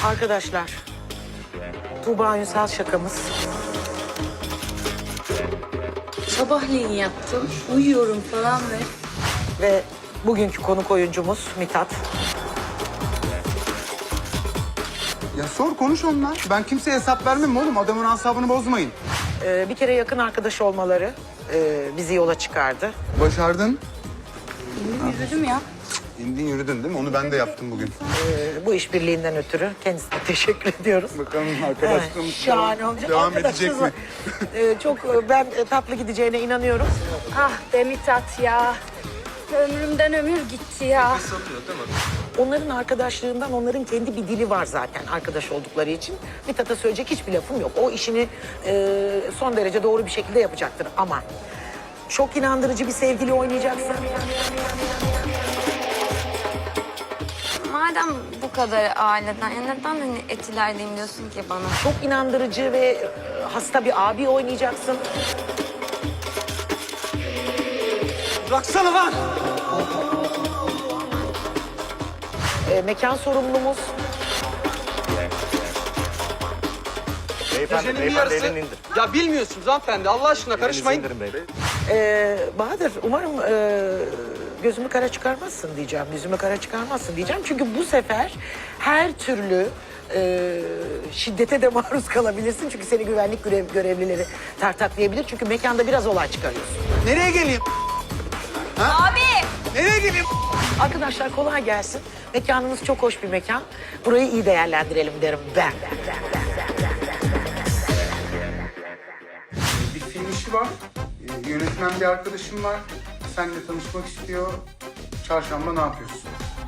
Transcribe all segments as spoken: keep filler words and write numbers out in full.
Arkadaşlar, Tuğba Ünsal şakamız. Sabahleyin yaptım. Uyuyorum falan ve... Ve bugünkü konuk oyuncumuz Mithat. Ya sor konuş onunla. Ben kimseye hesap vermem oğlum. Adamın asabını bozmayın. Ee, bir kere yakın arkadaş olmaları e, bizi yola çıkardı. Başardın. Yürüdüm ya. İndin yürüdün değil mi? Onu ben de yaptım bugün. Ee, bu işbirliğinden ötürü kendisine teşekkür ediyoruz. Bakalım Evet, arkadaşlığımız şahane olacak. devam edecek Arkadaşlarımız mi? var. Ee, çok e, ben e, tatlı gideceğine inanıyorum. Ah be Mithat ya. Ömrümden ömür gitti ya. Onların arkadaşlığından onların kendi bir dili var zaten arkadaş oldukları için. Mithat'a söyleyecek hiçbir lafım yok. O işini e, son derece doğru bir şekilde yapacaktır ama çok inandırıcı bir sevgili oynayacaksın. Madem bu kadar aileden, ya neden hani etilerliyim diyorsun ki bana? Çok inandırıcı ve e, hasta bir abi oynayacaksın. Bıraksana lan! E, mekan sorumlumuz. Beyefendi, Gecenin bir beyefendi yarısı. elini indir. Ya bilmiyorsunuz hanımefendi Allah aşkına Elinizi karışmayın. indirin beyefendi. E, Bahadır umarım e, gözümü kara çıkarmazsın diyeceğim. Yüzümü kara çıkarmazsın diyeceğim. Çünkü bu sefer her türlü e, şiddete de maruz kalabilirsin. Çünkü seni güvenlik görev, görevlileri tartaklayabilir. Çünkü mekanda biraz olay çıkarıyorsun. Nereye geleyim? Abi! Nereye geleyim? Arkadaşlar kolay gelsin. Mekanımız çok hoş bir mekan. Burayı iyi değerlendirelim derim ben. Bir film işi var. Ee, Yönetmen bir arkadaşım var. Seninle tanışmak istiyor. Çarşamba ne yapıyorsun?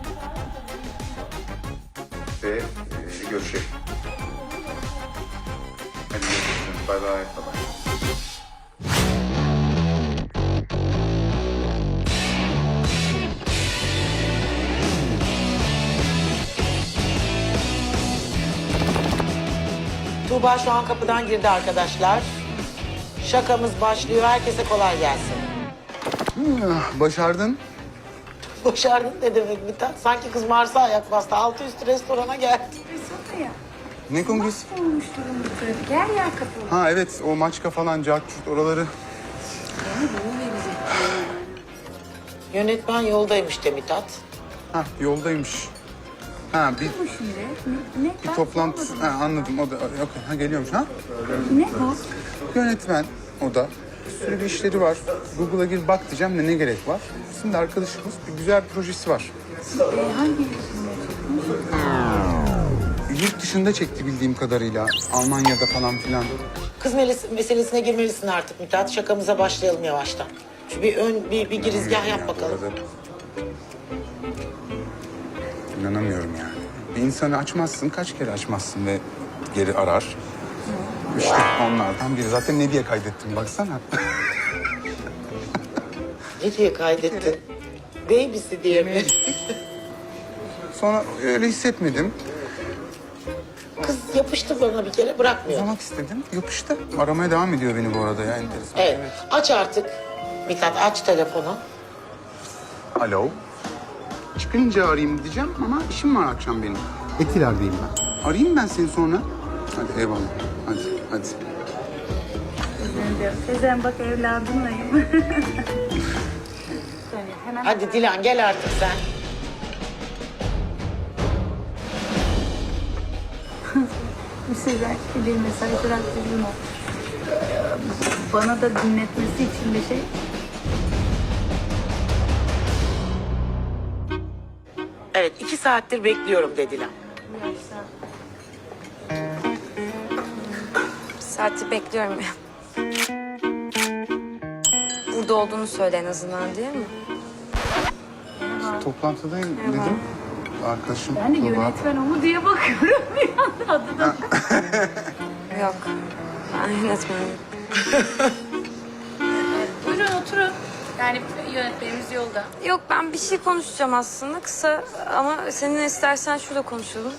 Ve e, görüşelim. Hadi görüşürüz. Bay bay. Bay bay. Tuğba şu an kapıdan girdi arkadaşlar. Şakamız başlıyor. Herkese kolay gelsin. Ah, Başardın. Başardın ne demek Mithat? Sanki kız Mars'a ayak bastı. Altı üstü restorana geldi. Ne kongresi? Olmuş durum bir trafik. Her yer kapalı. Ha evet, o maçka falan, cart oraları. Yönetmen yoldaymış de Mithat. Ha yoldaymış. Ha bir, Bu şimdi. Ne? ne? bir Ben toplantı. sormadım. Ha, anladım. O da okey. Ha geliyormuş ha? Ne bu? Yönetmen o da. Bir sürü bir işleri var. Google'a gir bak diyeceğim de ne gerek var? Şimdi arkadaşımız bir güzel bir projesi var. Ee, hangi Yurt dışında çekti bildiğim kadarıyla. Almanya'da falan filan. Kız meles- meselesine girmelisin artık Mithat. Şakamıza başlayalım yavaştan. Şu bir ön bir, bir girizgah yap bakalım. İnanamıyorum yani. Bir insanı açmazsın, kaç kere açmazsın ve geri arar. İşte onlardan biri. Zaten ne diye kaydettim baksana. Ne diye kaydettin? Babysi diye mi? Sonra öyle hissetmedim. Kız yapıştı bana bir kere bırakmıyor. Uzamak istedim. Yapıştı. Aramaya devam ediyor beni bu arada ya. Enteresan. Evet. Aç artık. Mithat aç telefonu. Alo. Çıkınca arayayım diyeceğim ama işim var akşam benim. Etiler'deyim ben. Arayayım ben seni sonra. Hadi eyvallah. Hadi, hadi. Sezen bak evladımlayım. Söyle hemen. Hadi Dilan gel artık sen. Sezen bir mesaj bıraktırdım o. Bana da dinletmesi için bir şey. Evet iki saattir bekliyorum de Dilan. Bir saati bekliyorum ya. Burada olduğunu söyle en azından değil mi? Toplantıdayım dedim. Arkadaşım Ben de Tuğba. yönetmen o mu diye bakıyorum bir anda adına. Yok. Ben yönetmenim. Buyurun oturun. Yani yönetmenimiz yolda. Yok ben bir şey konuşacağım aslında kısa ama seninle istersen şurada konuşalım.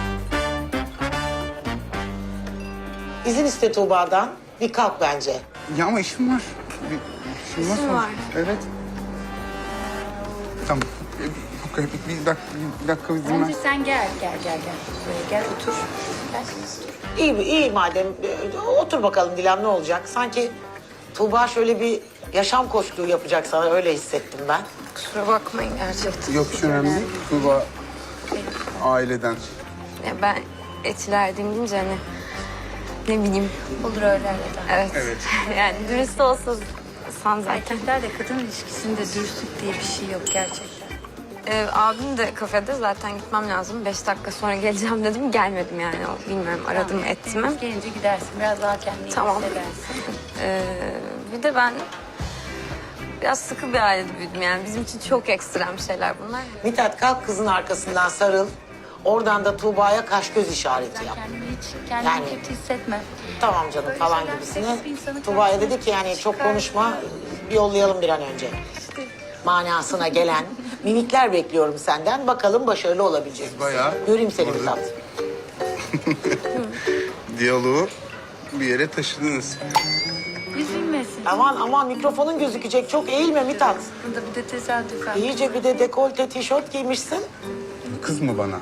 İzin iste Tuğba'dan. Bir kalk bence. Ya ama işim var. Bir, işim İşin sonuçta. var. Evet. Tamam. E, dakika, bir, bir dakika, bir dakika bir dinle. Bence sen gel, gel, gel, gel. Buraya gel, otur. Gel, otur. İyi, iyi madem. Ee, Otur bakalım Dilan, ne olacak? Sanki Tuğba şöyle bir yaşam koçluğu yapacak sana, öyle hissettim ben. Kusura bakmayın gerçekten. Yok hiç önemli değil. Tuğba aileden. Ya ben etiler deyince hani ne bileyim. Olur öyle arada. Evet. Evet. Yani dürüst olsa san zaten. Erkeklerle kadın ilişkisinde dürüstlük diye bir şey yok gerçekten. Ee, abim de kafede, zaten gitmem lazım. Beş dakika sonra geleceğim dedim. Gelmedim yani. O, bilmiyorum, aradım Tamam, ettim mi? Deniz gelince gidersin. Biraz daha kendini Tamam. hissedersin. Ee, bir de ben biraz sıkı bir ailede büyüdüm yani. Bizim için çok ekstrem şeyler bunlar. Mithat, kalk kızın arkasından sarıl. Oradan da Tuğba'ya kaş göz işareti yap. Kendini hiç kendini Yani- kötü hissetme. Tamam canım Böyle falan şeyler gibisine. sekiz insanı Tuğba'ya karşısına dedi ki yani çok çıkar. konuşma, yollayalım bir an önce. Manasına gelen mimikler bekliyorum senden. Bakalım başarılı olabilecek misin? Bayağı Göreyim seni orada. Mithat. Diyaloğu bir yere taşıdınız. Üzülmesin. Aman aman, mikrofonun gözükecek. Çok eğilme Mithat. Burada bir de tesadüfen. İyice bir de dekolte tişört giymişsin. Kız mı bana?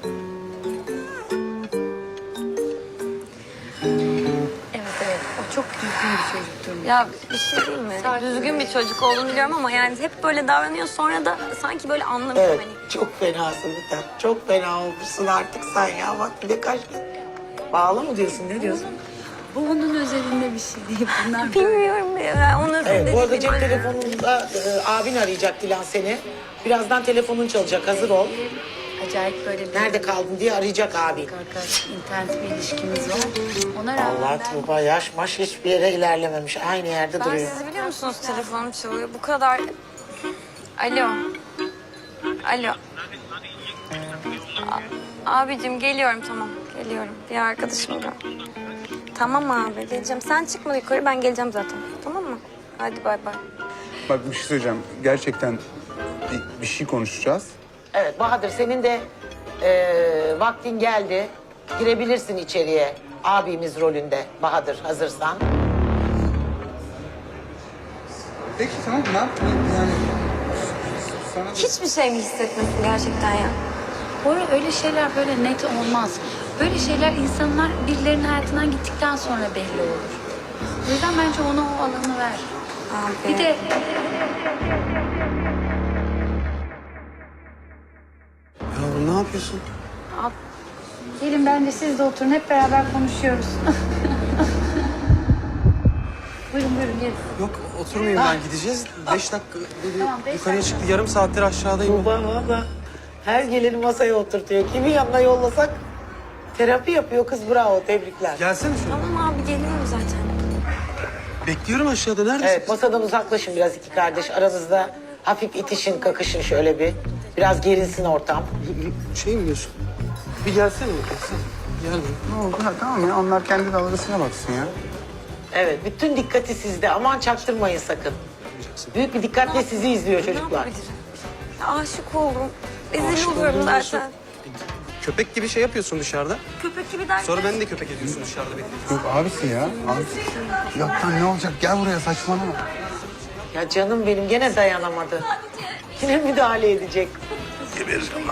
Evet evet. O çok düzgün bir çocuktur. Ya bir şey değil mi? Düzgün bir çocuk olduğunu biliyorum ama yani hep böyle davranıyor. Sonra da sanki böyle anlamıyor Evet, hani. çok fenasın Mithat. Çok fena olmuşsun artık sen ya. Bak bir de kaç... Bağlı mı diyorsun, ne diyorsun? Bu onun özelinde bir şey değil. Bunlar böyle. Bilmiyorum ya. Onun Evet, bu arada dediğim cep hani- telefonunda e, abin arayacak Dilan seni. Birazdan telefonun çalacak, hazır ol. Acayip böyle bir Nerede kaldın diye arayacak abin. arkadaş internet bir ilişkimiz var. Ona rağmen Allah ben Tuğba yaş maş hiçbir yere ilerlememiş. Aynı yerde Ben duruyor. sizi biliyor musunuz, telefonum çalıyor. Bu kadar... Alo. Alo. A- abicim geliyorum, tamam. Geliyorum. Bir arkadaşım da. Tamam abi, geleceğim. Sen çıkma yukarı, ben geleceğim zaten. Tamam mı? Hadi bay bay. Bak bir şey söyleyeceğim. Gerçekten bir, bir şey konuşacağız. Evet Bahadır, senin de e, vaktin geldi. Girebilirsin içeriye abimiz rolünde Bahadır, hazırsan. Peki tamam ne yapayım yani? Sana da... Hiçbir şey mi hissetmesin gerçekten ya? Bu arada öyle şeyler böyle net olmaz. Böyle şeyler insanlar birilerinin hayatından gittikten sonra belli olur. O yüzden bence ona o alanı ver. Abi. Bir de Ya ne yapıyorsun? Ab, gelin bence siz de oturun hep beraber konuşuyoruz. buyurun buyurun gelin. Yok oturmayayım ben, gideceğiz. Beş dakika dedi, Tamam, beş yukarıya dakika. çıktı. Yarım saattir aşağıdayım. Tuğba valla her geleni masaya oturtuyor. Kimin yanına yollasak terapi yapıyor kız, bravo, tebrikler. Gelsene şöyle. Tamam abi, geliyorum zaten. Bekliyorum aşağıda. Neredesin? Evet, masadan uzaklaşın biraz iki kardeş. Aranızda hafif itişin, kakışın şöyle bir. Biraz gerilsin ortam. Şey mi diyorsun? Bir gelsene. Gelsene. Gel. Ne oldu? Ha, tamam ya onlar kendi dalgasına baksın ya. Evet, bütün dikkati sizde. Aman çaktırmayın sakın. Büyük bir dikkatle sizi izliyor Ne çocuklar. yapabilirim? Ya aşık oldum. Rezil Aşık oluyorum oldum diyorsun. zaten. Köpek gibi şey yapıyorsun dışarıda. Köpek gibi derken. Sonra beni de köpek ediyorsun dışarıda bekliyorsun. Yok abisi ya. Abi. Yok lan ne olacak? Gel buraya saçmalama. Ya canım benim gene dayanamadı. Yine müdahale edecek. Gebereceğim lan.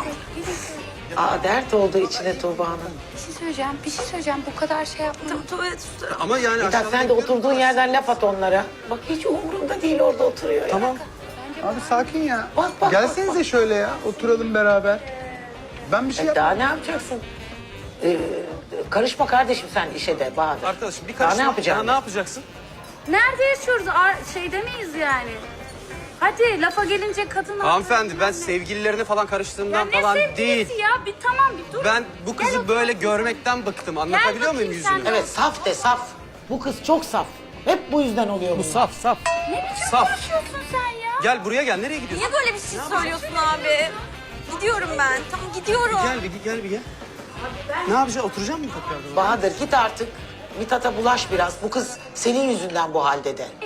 Aa, dert oldu içine Tuğba'nın. Bir şey söyleyeceğim, bir şey söyleyeceğim. Bu kadar şey yapma. Tuvalet üstü. Ama yani Mithat aşağıda sen de bekliyorum. oturduğun yerden laf at onlara. Bak hiç umurunda değil, orada oturuyor ya. Tamam. Abi sakin ya. Bak, bak, Gelsenize şöyle ya. Oturalım beraber. Ben bir şey E, yap. daha ne yapacaksın? Ee, karışma kardeşim sen işe de Bahadır. Arkadaşım bir Daha karışma. ne yapacaksın? Ya ne yapacaksın? Nerede yaşıyoruz? Ar- şeyde miyiz yani? Hadi lafa gelince kadın... Hanımefendi ben sevgililerine falan karıştığımdan Ya ne falan sevgilisi değil. ya? Bir tamam bir dur. Ben bu Gel kızı otur. böyle görmekten bıktım. Anlatabiliyor muyum bakayım sen yüzünü? de. Evet, saf de saf. Bu kız çok saf. Hep bu yüzden oluyor bu. Saf saf. Ne biçim Saf. konuşuyorsun sen ya? Gel buraya gel. Nereye gidiyorsun? Niye böyle bir şey söylüyorsun abi? Gidiyorum ben. Tamam gidiyorum. Gel bir gel bir gel. Ne yapacaksın? Oturacak mısın tekrardan? Bahadır git artık. Mithat'a bulaş biraz. Bu kız senin yüzünden bu halde de.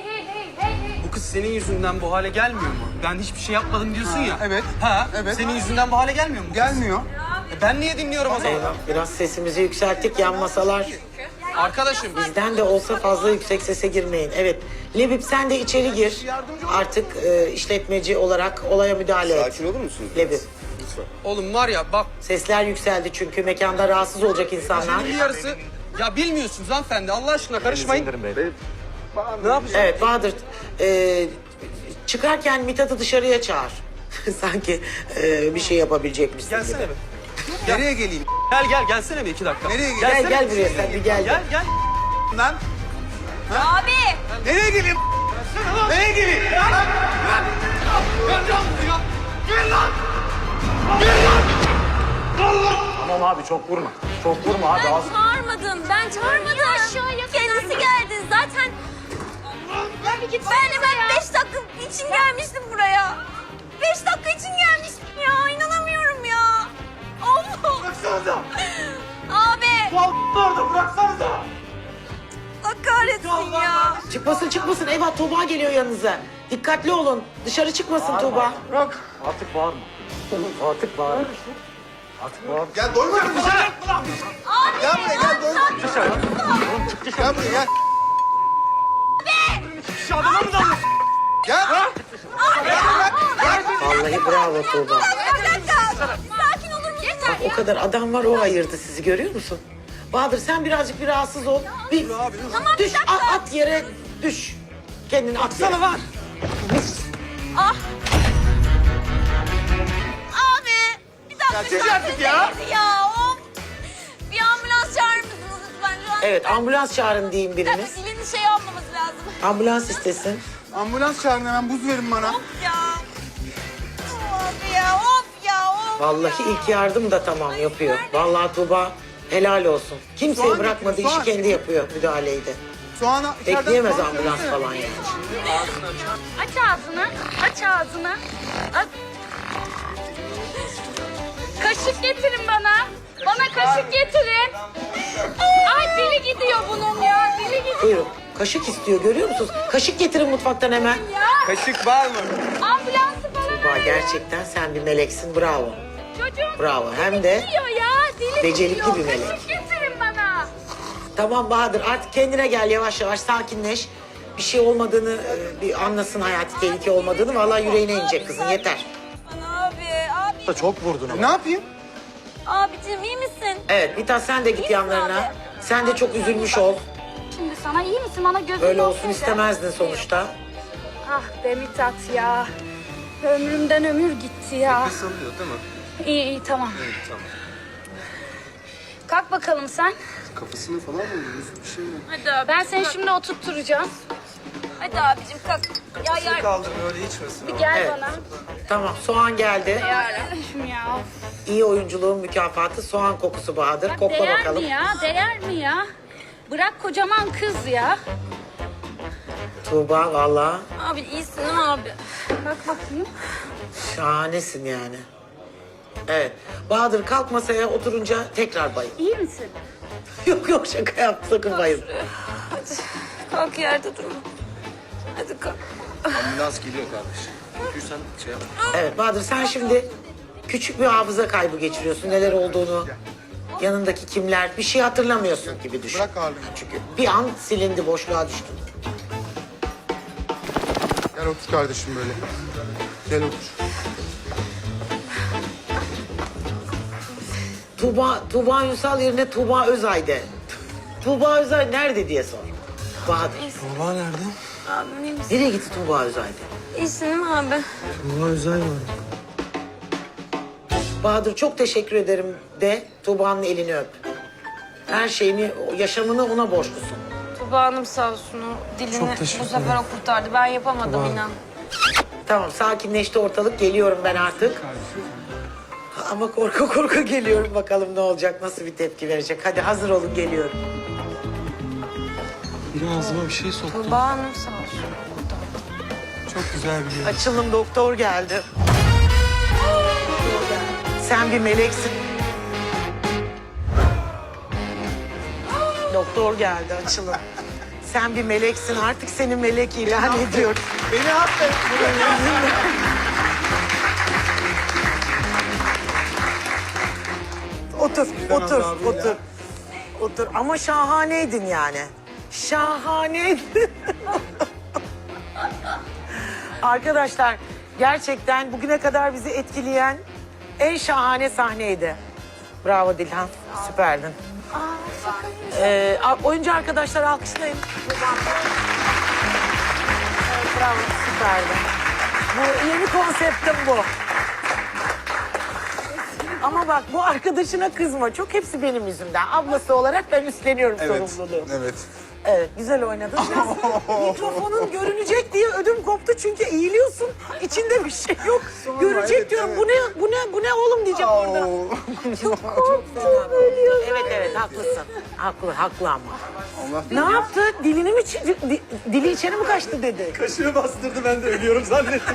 Bu kız senin yüzünden bu hale gelmiyor mu? Ben hiçbir şey yapmadım diyorsun ya. evet. Ha, Evet. Senin yüzünden bu hale gelmiyor mu? Gelmiyor. E ben niye dinliyorum o zaman? Eyvah, biraz sesimizi yükselttik, yan masalar. Arkadaşım Bizden de olsa fazla yüksek sese girmeyin. Evet, Lebip sen de içeri gir. Artık e, işletmeci olarak olaya müdahale et. Sakin olur musunuz? Lebip. musun? Oğlum var ya bak Sesler yükseldi çünkü mekanda rahatsız olacak insanlar. bir yarısı... Ya bilmiyorsunuz hanımefendi Allah aşkına karışmayın. Ne yapacağız? Evet Bahadır, e, çıkarken Mithat'ı dışarıya çağır. Sanki e, bir şey yapabilecekmişsin Gelsene gibi. be. Nereye geleyim? Gel gel gelsene bir iki dakika. Nereye Gel Gelsene gel bir. buraya sen bir gel. Gel gel. Lan Abi. nereye geleyim? Nereye geleyim? Tamam abi çok vurma. Çok vurma abi. Ben Az... çağırmadım. Ben çağırmadım. Kendisi geldi. Zaten ben hemen beş dakika için gelmiştim buraya. Beş dakika için gelmiştim ya. İnanamıyorum ya. Allah. Bıraksanıza. Abi. Bu orada bıraksanıza. Allah kahretsin ya. Çıkmasın çıkmasın. Eyvah Tuğba geliyor yanınıza. Dikkatli olun. Dışarı çıkmasın Tuğba. Bırak. Artık bağırma. Artık bağırma. Artık bağırma. Gel doymadım mı sana? Abi. Gel buraya gel doymadım. Gel buraya gel. Şu adama mı dalıyorsun? Gel. Vallahi bravo Tuğba. Bir dakika. Sakin olur musun? Yeter O kadar adam var o ayırdı sizi görüyor musun? Bahadır sen birazcık bir rahatsız ol. Bir Tamam, bir düş dakika. at, at yere düş. Kendini at yere. Sana var. Ah. Abi. Bir dakika. Ya, çek sen artık ya. sesiniz ya. Of. Bir ambulans çağırır mısınız lütfen? Şu an Evet ambulans çağırın diyeyim bir dakika biriniz. dilini şey almaması lazım. Ambulans istesin. Ambulans çağırın hemen buz verin bana. Of ya. Of ya. Of ya. Of Vallahi ya. ilk yardım da tamam yapıyor. Vallahi Tuğba helal olsun. Kimseyi Soğan bırakmadı getir, işi soğan. kendi yapıyor müdahaleyi de. Soğana içeriden Bekleyemez soğan ambulans söylesene. falan yani. Aç ağzını. Aç ağzını. Aç. Kaşık getirin bana. Bana kaşık getirin. Ay dili gidiyor bunun ya. Dili gidiyor Buyurun. Kaşık istiyor görüyor musunuz? Kaşık getirin mutfaktan hemen. ya. Kaşık var mı? Ambulansı bana Tuğba ver. gerçekten sen bir meleksin bravo. Çocuğun Bravo. Hem dili de gidiyor ya. Dili becerikli gidiyor. bir melek. Kaşık getirin bana. Tamam Bahadır artık kendine gel yavaş yavaş sakinleş. Bir şey olmadığını e, bir anlasın hayati tehlike olmadığını. Vallahi yüreğine inecek kızın yeter. Abi. Abi. Çok vurdun ama. Ne yapayım? Abicim iyi misin? Evet Mithat sen de git misin yanlarına. abi? Sen de çok üzülmüş ol. Şimdi sana iyi misin? Bana gözün Böyle olsun olsaydı. istemezdin sonuçta. Ah be Mithat ya. Ömrümden ömür gitti ya. Sanıyor değil mi? İyi iyi tamam. Tamam. Kalk bakalım sen. Kafasını falan mı vuruyorsun? Bir şey mi? Hadi abi. Ben seni şimdi oturtturacağım. Hadi abicim kalk. Ya ya. Kaldır öyle içmesin. Bir gel Evet. bana. Tamam soğan geldi. Yarabbim ya. İyi oyunculuğun mükafatı soğan kokusu Bahadır. Bak, Kokla değer bakalım. mi ya? Değer mi ya? Bırak kocaman kız ya. Tuğba vallahi Abi iyisin değil mi abi? Bak bakayım. şahanesin yani. Evet. Bahadır kalk masaya oturunca tekrar bayıl. İyi misin? Yok yok şaka yaptım sakın bayıl. Hadi. Kalk yerde durma. Hadi kalk. Ambulans geliyor kardeşim. Çünkü sen şey yap. Evet Bahadır sen şimdi küçük bir hafıza kaybı geçiriyorsun. Neler olduğunu, yanındaki kimler, bir şey hatırlamıyorsun gibi düşün. Bırak ağırlığını. Çünkü bir an silindi, boşluğa düştün. Gel otur kardeşim böyle. Gel otur. Tuğba, Tuğba Ünsal yerine Tuğba Özay de. Tuğba Özay nerede diye sor. Bahadır. Baba nerede? Abi iyi misin? Nereye gitti Tuğba Özay de? İyisin değil mi abi? Baba özel var. Bahadır çok teşekkür ederim de Tuğba'nın elini öp. Her şeyini, yaşamını ona borçlusun. Tuba Hanım sağ olsun o dilini Çok teşekkür bu sefer o kurtardı. Ben yapamadım inan. Tamam sakinleşti ortalık, geliyorum ben artık. Ama korku korku geliyorum bakalım ne olacak, nasıl bir tepki verecek. Hadi hazır olun geliyorum. Biri ağzıma bir şey soktu. Tuba Hanım sağ olsun. Çok güzel bir yer. Açılım doktor geldi. Sen bir meleksin. Doktor geldi açılım. Sen bir meleksin artık seni melek ilan ediyorum. Beni affet. Otur, otur, abi ya. otur. Otur ama şahaneydin yani. Şahaneydin. Arkadaşlar gerçekten bugüne kadar bizi etkileyen En şahane sahneydi. Bravo Dilhan, süperdin. Ee, a- oyuncu arkadaşlar alkışlayın. Evet, bravo, süperdi. Bu yeni konseptim bu. Ama bak bu arkadaşına kızma. Çok hepsi benim yüzümden. Ablası olarak ben üstleniyorum Evet. sorumluluğu. Evet. Evet, güzel oynadın. Biraz mikrofonun görünecek diye ödüm koptu çünkü eğiliyorsun. İçinde bir şey yok. Görecek evet, diyorum. evet. Bu ne bu ne bu ne oğlum diyeceğim orada. Oo. Çok Evet evet haklısın. Haklı haklı ama. Allah Ne yaptı? Dilini mi çi- di- dili içeri mi kaçtı dedi. Kaşığı bastırdı, ben de ölüyorum zannettim.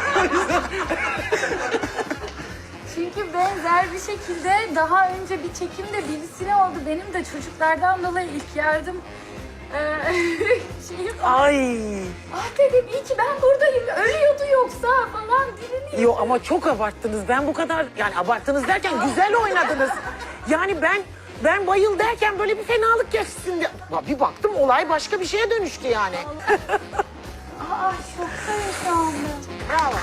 Çünkü benzer bir şekilde daha önce bir çekimde birisine oldu. Benim de çocuklardan dolayı ilk yardım eee şeyim. Ay. Ah dedim iyi ki ben buradayım. Ölüyordu yoksa falan dilini. Yo ama çok abarttınız. Ben bu kadar yani abarttınız derken güzel oynadınız. Yani ben ben bayıl derken böyle bir fenalık geçsin diye. Bir baktım olay başka bir şeye dönüştü yani. Aa şoktayım şu anda. Bravo.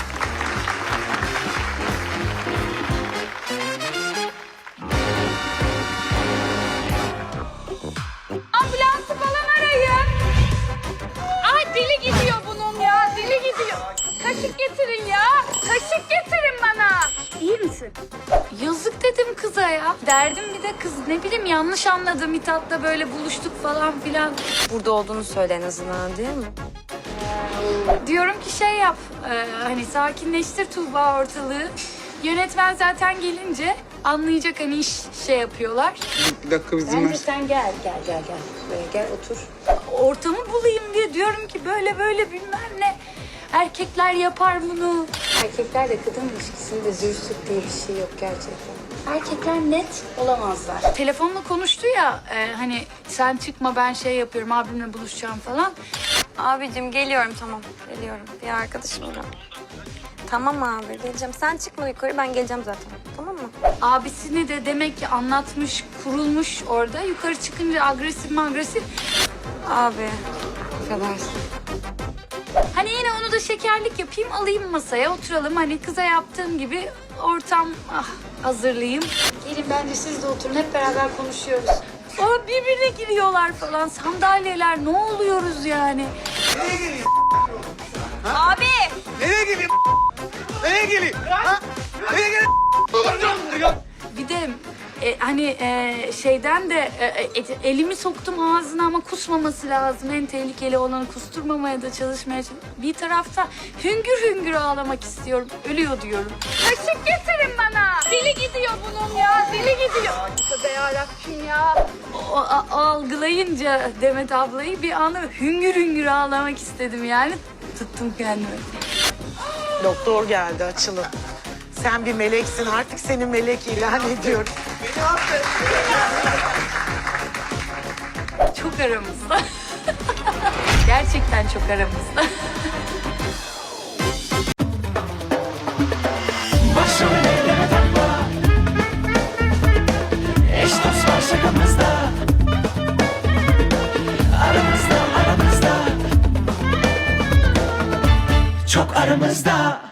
Ambulansı falan arayın. Ay dili gidiyor bunun ya. Dili gidiyor. Kaşık getirin ya. Kaşık getirin bana. İyi misin? Yazık dedim kıza ya. Derdim bir de kız ne bileyim yanlış anladı. Mithat'la böyle buluştuk falan filan. Burada olduğunu söyle en azından, değil mi? Diyorum ki şey yap. e, hani sakinleştir Tuğba ortalığı. Yönetmen zaten gelince anlayacak hani iş şey yapıyorlar. Bir dakika bizim Bence ver. sen gel, gel, gel, gel. Böyle gel otur. Ortamı bulayım diye diyorum ki böyle böyle bilmem ne. Erkekler yapar bunu. Erkeklerle kadın ilişkisinde dürüstlük diye bir şey yok gerçekten. Erkekler net olamazlar. Telefonla konuştu ya e, hani sen çıkma ben şey yapıyorum abimle buluşacağım falan. Abicim geliyorum, tamam. Geliyorum. Bir arkadaşım da. Tamam abi, geleceğim. Sen çıkma yukarı, ben geleceğim zaten. Tamam mı? Abisini de demek ki anlatmış, kurulmuş orada. Yukarı çıkınca agresif mi agresif. Abi, affedersin. Hani yine onu da şekerlik yapayım, alayım masaya, oturalım. Hani kıza yaptığım gibi ortam ah, hazırlayayım. Gelin bence siz de oturun, hep beraber konuşuyoruz. Aa, birbirine giriyorlar falan, sandalyeler, ne oluyoruz yani? Abi! Nereye geleyim? Nereye geleyim? Ha? Nereye geleyim? Bir de e, hani e, şeyden de e, e, elimi soktum ağzına ama kusmaması lazım. En tehlikeli olanı kusturmamaya da çalışmaya çalış- Bir tarafta hüngür hüngür ağlamak istiyorum. Ölüyor diyorum. Kaşık getirin bana. Dili gidiyor bunun ya. Dili gidiyor. Tövbe yarabbim ya. O, a- algılayınca Demet ablayı bir anda hüngür hüngür ağlamak istedim yani. Tuttum kendimi. Doktor geldi açılın. Sen bir meleksin artık seni melek ilan ediyorum. Çok aramızda. Gerçekten çok aramızda. Başımı elleme takma. Eş dost var şakamızda. Aramızda aramızda. Çok aramızda.